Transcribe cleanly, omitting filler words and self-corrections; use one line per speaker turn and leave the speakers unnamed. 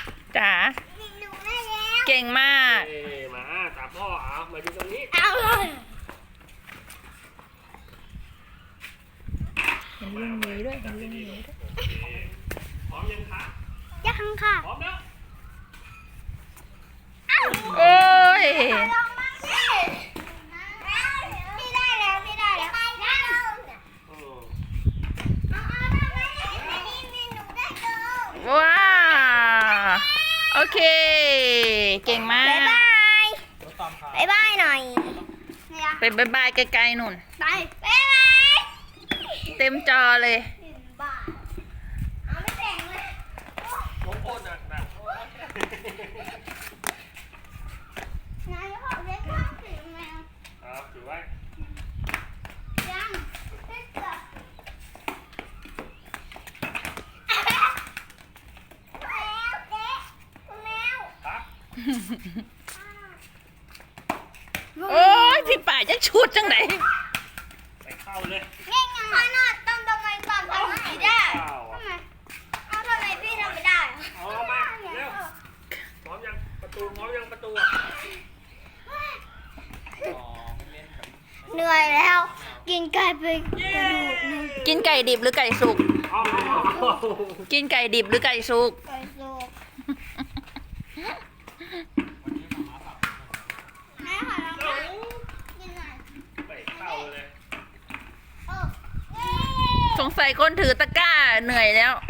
จ๋าเก่งมาก
มาตามพ่อเอามาดูตรงนี้
เห็นลุงนี้ด้วยเห็นลุงนี้ด้วย
โอเคพร้อมยังคะ
ยังค่ะ
พร้อมแล้ว
โอ้ย
พี่ได้แล้วพี่ได้แล้ว
อืม
ว้าโอเค เก่งมาก
บ๊ายบายบ๊ายบายหน่อย
ไปบายบายไกลๆนุ่น
ไปบ๊ายบาย
เต็มจอเลย
บ้าเอาไม่แต่งเลย
โอ้โหหนัก
นายบอกเล่นข้าวสีแมว
ครับถือไว้
ยังเล่นกับแมวเจ๊แมว
ครับ
โอ้ยพี่ป่าจะชุดจังไหน
ไปเข้าเลย
ง่ายๆขนาดต้องทำไมตอนทำไม่ได้
เข้า
ทำไมเอาทำไมพี่ทำไม่ได้
เอามาเร็วพร้อมยังประตูพร้อมยังประตูอ่ะ
เหนื่อยแล้ว กินไก่ไปกระดูกหนึง
กินไก่ดิบหรือไก่สุก
เอา
กินไก่ดิบหรือไก่สุก
ไก่สุกแม่ขอลองกินหน่อย
ไปเข้าเลย
โอ้
สงสัยคนถือตะกร้าเหนื่อยแล้ว